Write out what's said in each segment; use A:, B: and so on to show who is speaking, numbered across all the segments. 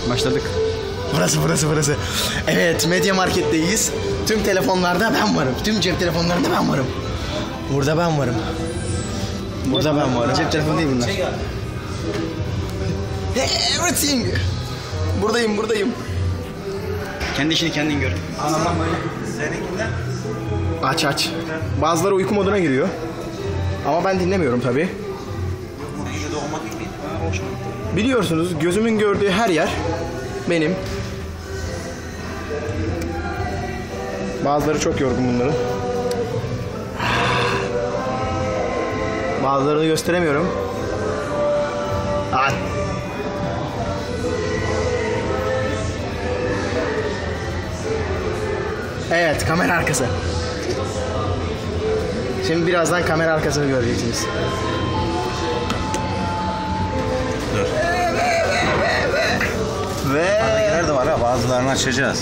A: Başladık. Burası. Evet, Media Market'teyiz. Tüm telefonlarda ben varım. Tüm cep telefonlarında ben varım. Burada ben varım. Cep telefonu değil bunlar. Everything. Buradayım.
B: Kendi işini kendin gör.
C: Seninkinden?
A: Aç. Bazıları uyku moduna giriyor. Ama ben dinlemiyorum tabii.
C: Gece doğmak gibi.
A: Biliyorsunuz gözümün gördüğü her yer benim. Bazıları çok yorgun bunların. Bazılarını gösteremiyorum. Evet, kamera arkası. Şimdi birazdan kamera arkasını göreceksiniz.
C: Dur.
A: Ve
C: Nerede var ha? Bazılarını açacağız.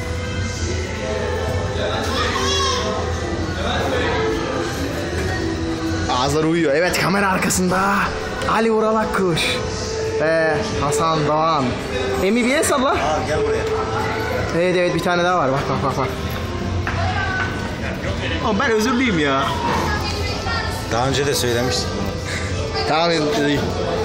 A: ağızları uyuyor. Evet, kamera arkasında Ali Ural Akkuş ve Hasan Doğan. MBS salla.
C: Al gel buraya.
A: Evet, bir tane daha var. Bak. Ama ben özürlüyüm ya.
C: Daha önce de söylemiştim.
A: Tamam.